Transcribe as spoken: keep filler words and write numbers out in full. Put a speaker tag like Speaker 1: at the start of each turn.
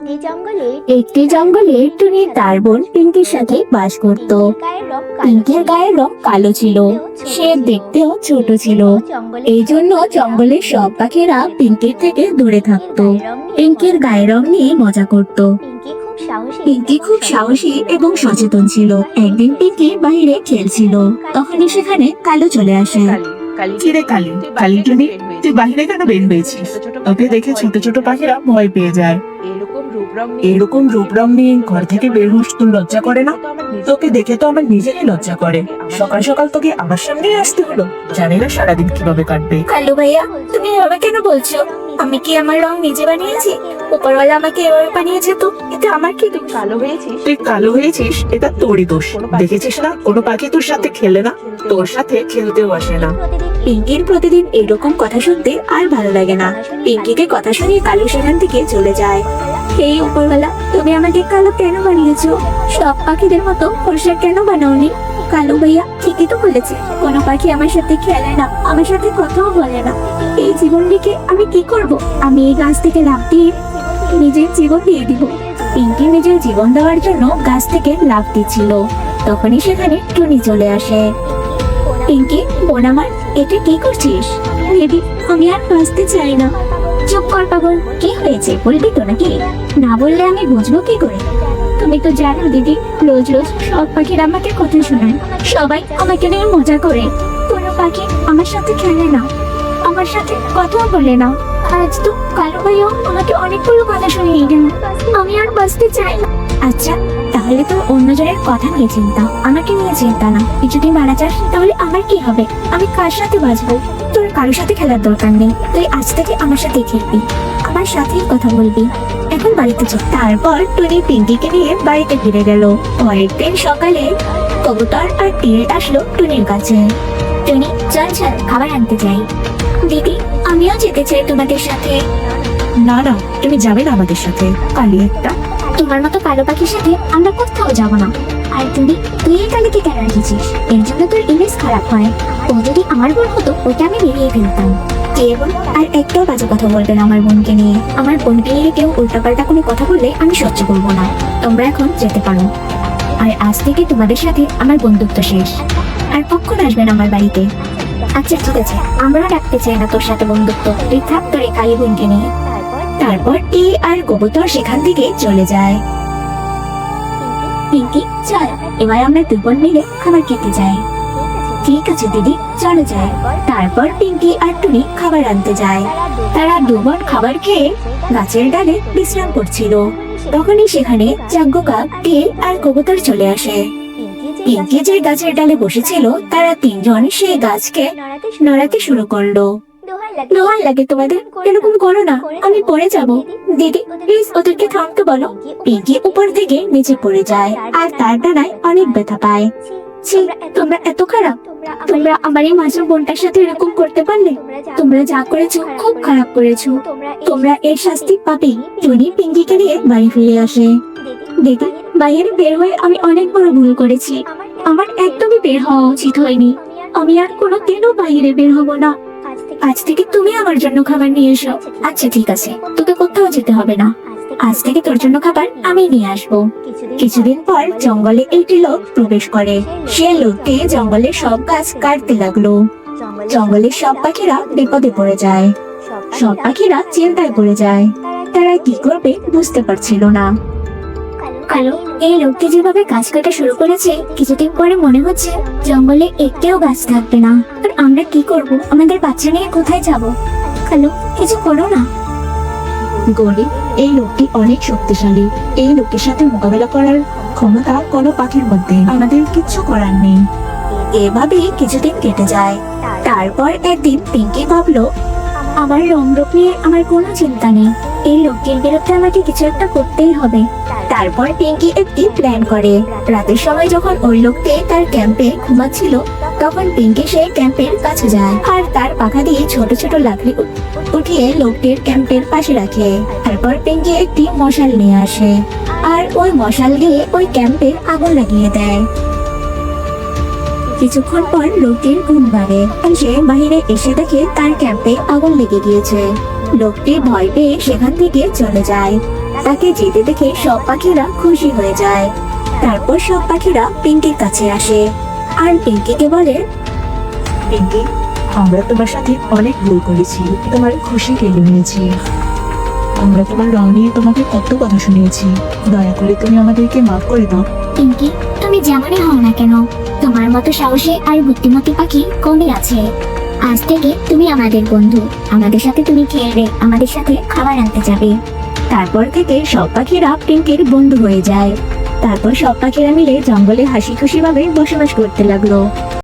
Speaker 1: একটি জঙ্গলে টুনি তার বোন পিঙ্কির সাথে বাস করত। পিঙ্কির গায়ের রং কালো ছিল, সে দেখতেও ছোট ছিল। এই জন্য জঙ্গলের সব পাখিরা পিঙ্কির থেকে দূরে থাকতো। পিঙ্কির গায়ের রং নিয়ে মজা করত। পিঙ্কি খুব সাহসী এবং সচেতন ছিল। একদিন পিঙ্কি বাইরে খেলছিল, তখনই সেখানে কালো চলে আসে।
Speaker 2: কিরে কালি, কালি টুনি, তুই বাহিরে কেন বের হয়েছিস? তোকে দেখে ছোট ছোট পাখিরা ভয় পেয়ে যায়। এরকম রূপ রং নিয়ে ঘর থেকে বের হোস, তোর লজ্জা করে না? তোকে দেখে তো আমার নিজেরই লজ্জা করে। সকাল সকাল তোকে আমার সামনে আসতে হলো। জানি না সারাদিন কিভাবে কাটবে।
Speaker 1: কালু ভাইয়া, তুমি এভাবে কেন বলছো? আমি কি আমার রং নিজে বানিয়েছি? উপরওয়ালা আমাকে এভাবে বানিয়েছে, তো এটা আমার কি দোষ?
Speaker 2: কালো হয়েছিস তুই কালো হয়েছিস এটা তোরই দোষ। দেখেছিস না কোনো পাখি তোর সাথে খেলে না, তোর সাথে খেলতেও আসে না।
Speaker 1: পিঙ্কির প্রতিদিন এরকম কথা শুনতে আর ভালো লাগে না। পিঙ্কিকে কথা শুনিয়ে কালু সেখান থেকে চলে যায়। এই উপরওয়ালা, তুমি আমাকে কালো কেন বানিয়েছো? সব পাখিদের মতো ফর্সা কেন বানাওনি? কালু ভাইয়া ঠিকই তো বলেছে, কোনো পাখি আমার সাথে খেলে না, আমার সাথে কথাও বলে না। এই জীবন রেখে আমি কি করব? আমি এই গাছ থেকে লাফ দিয়ে নিজের জীবন দিয়ে দিব। পিঙ্কি নিজের জীবন দেওয়ার জন্য গাছ থেকে লাফ দিচ্ছিল, তখনই সেখানে টুনি চলে আসে। পিঙ্কি বোন আমার, এটা কি করছিস? বেবি, আমি আর বাঁচতে চাই না। চুপ কর পাগল, কি হয়েছে বলবি তো নাকি? না বললে আমি বুঝবো কি করে? তুমি তো জানো দিদি, রোজ রোজ সব পাখিরা আমাকে কথা শোনায়, সবাই আমাকে নিয়ে মজা করে। কোনো পাখি আমার সাথে খেলে না, আমার সাথে কথাও বলে না। আজ তো কালু ভাইও আমাকে অনেকগুলো কথা শুনিয়ে গেল। আমি আর বাঁচতে চাই না। আচ্ছা, তাহলে তো অন্যজনের কথা নিয়ে চিন্তা, আমাকে নিয়ে চিন্তা না। কিছুদিন মারা যাস তাহলে আমার কি হবে? আমি কার সাথে বাঁচবো? তোর কারোর সাথে খেলার দরকার নেই। তুই আজ থেকে আমার সাথে খেলবি, আমার সাথেই কথা বলবি। এখন বাড়িতে চল। তারপর টুনি পিঙ্কিকে নিয়ে বাড়িতে ফিরে গেল। পরের দিন সকালে কবুতর আর টিরেট আসলো টুনির কাছে। টুনি, চল চল, খাবার আনতে যাই। দিদি, আমিও যেতে চাই তোমাদের সাথে।
Speaker 2: না না, তুমি যাবে না আমাদের সাথে, কালি একটা।
Speaker 1: তোমার মতো কালো পাখির সাথে আমরা কোথাও যাব না। আর তুমি তুই এই কালিকে কেন রেখেছিস? এর জন্য তোর ইমেজ খারাপ হয়। ও যদি আমার বোন হতো, ওটা আমি বেরিয়ে ফেলতাম। কে বোন? আর একটাও বাজে কথা বলবে না আমার বোনকে নিয়ে। আমার বোনকে নিয়ে কেউ উল্টাপাল্টা কোনো কথা বললে আমি সহ্য করবো না। তোমরা এখন যেতে পারো। আর আজ থেকে তোমাদের সাথে আমার বন্ধুত্ব শেষ। আর কখন আসবেন আমার বাড়িতে? আচ্ছা ঠিক আছে, আমরাও রাখতে চাই না তোর সাথে বন্ধুত্ব। তুই থাক তোর এই কালী বোনকে নিয়ে। তারপর টি আর কবুতর সেখান থেকে চলে যায়। পিঙ্কি, চল এবার আমরা দুজন মিলে খাবার খেতে যাই। ঠিক আছে দিদি, চলো যাই। তারপর পিঙ্কি আর টুনি খাবার আনতে যায়। তারা দুবার খাবার খেয়ে গাছের ডালে বিশ্রাম করছিল, তখনই সেখানে চাগ্য কাক, টি আর কবুতর চলে আসে। পিঙ্কি যে গাছের ডালে বসেছিল, তারা তিনজন সেই গাছকে নড়াতে শুরু করলো। দোহাই লাগে তোমাদের, এরকম করো না, আমি পড়ে যাব। দিদি প্লিজ ওদেরকে থামতে বলো। পিঙ্কি উপর থেকে নিচে পড়ে যায় আর তার ডানায় অনেক ব্যথা পায়। ছি, তোমরা এত খারাপ। তোমরা আমার এই মাসুম বোনটার সাথে এরকম করতে পারলে? তোমরা যা করেছো খুব খারাপ করেছো। তোমরা এর শাস্তি পাবে। টুনি পিঙ্কিকে নিয়ে বাড়ি ফিরে আসে। দিদি, বাইরে বের হয়ে আমি অনেক বড় ভুল করেছি। আমার একদমই বের হওয়া উচিত হয়নি। আমি আর কোনোদিনও বাইরে বের হব না। আজ থেকে তুমি আমার জন্য খাবার নিয়ে এসো। আচ্ছা ঠিক আছে, তোকে কোথাও যেতে হবে না। আজ থেকে তোর জন্য খাবার আমি নিয়ে আসবো। কিছুদিন পর জঙ্গলে একটি লোক প্রবেশ করে। সে লোকটি জঙ্গলের সব গাছ কাটতে লাগলো। জঙ্গলের সব পাখিরা বিপদে পড়ে যায়। সব পাখিরা চিন্তায় পড়ে যায়। তারা কি করবে বুঝতে পারছিল না। কালো, এই লোকটি যেভাবে গাছ কাটা শুরু করেছে, কিছুদিন পরে মনে হচ্ছে জঙ্গলে একটিও গাছ থাকবে না। আর আমরা কি করব? আমাদের বাচ্চা নিয়ে কোথায় যাব? কালো, কিছু করো না।
Speaker 2: গরিব, এই লোকটি অনেক শক্তিশালী। এই লোকের সাথে মোকাবেলা করার ক্ষমতা কোনো পাখির মধ্যে, আমাদের কিচ্ছু করার নেই।
Speaker 1: এভাবেই কিছুদিন কেটে যায়। তারপর একদিন পিঙ্কি ভাবলো, আমার রং রূপ নিয়ে আমার কোনো চিন্তা নেই। এই লোকটির বিরুদ্ধে আমাকে কিছু একটা করতেই হবে। তারপর পিঙ্কি একটি প্ল্যান করে। রাতের সময় যখন ওই লোকটি তার ক্যাম্পে ঘুমাচ্ছিল, তখন পিঙ্কি সেই ক্যাম্পের কাছে যায় আর তার পাখা দিয়ে ছোট ছোট লাকড়ি উঠিয়ে লোকটির ক্যাম্পের পাশে রাখে। তারপর পিঙ্কি একটি মশাল নিয়ে আসে আর ওই মশাল দিয়ে ওই ক্যাম্পে আগুন লাগিয়ে দেয়। কিছুক্ষণ পর লোকটির ঘুম ভাঙে আর সে বাহিরে এসে দেখে তার ক্যাম্পে আগুন লেগে গিয়েছে। লোকটি ভয় পেয়ে সেখান থেকে চলে যায়। তাকে যেতে দেখে সব পাখিরা খুশি হয়ে যায়। তারপর সব পাখিরা পিঙ্কির কাছে আসে আর পিঙ্কিকে বলে,
Speaker 2: পিঙ্কি, আমরা তোমার সাথে অনেক ভুল করেছি, তোমার খুশি কেড়ে নিয়েছি। আমরা তোমার রং নিয়ে তোমাকে কত কথা শুনিয়েছি, দয়া করে তুমি আমাদেরকে মাফ করে দাও।
Speaker 1: পিঙ্কি, তুমি যেমনই হও না কেন, তোমার মতো সাহসী আর বুদ্ধিমতী পাখি কমই আছে। আজ থেকে তুমি আমাদের বন্ধু, আমাদের সাথে তুমি খেলবে, আমাদের সাথে খাবার আনতে যাবে। তারপর থেকে সব পাখিরা পিঙ্কির বন্ধু হয়ে যায়। তারপর সব পাখিরা মিলে জঙ্গলে হাসি খুশি ভাবে বসবাস করতে লাগলো।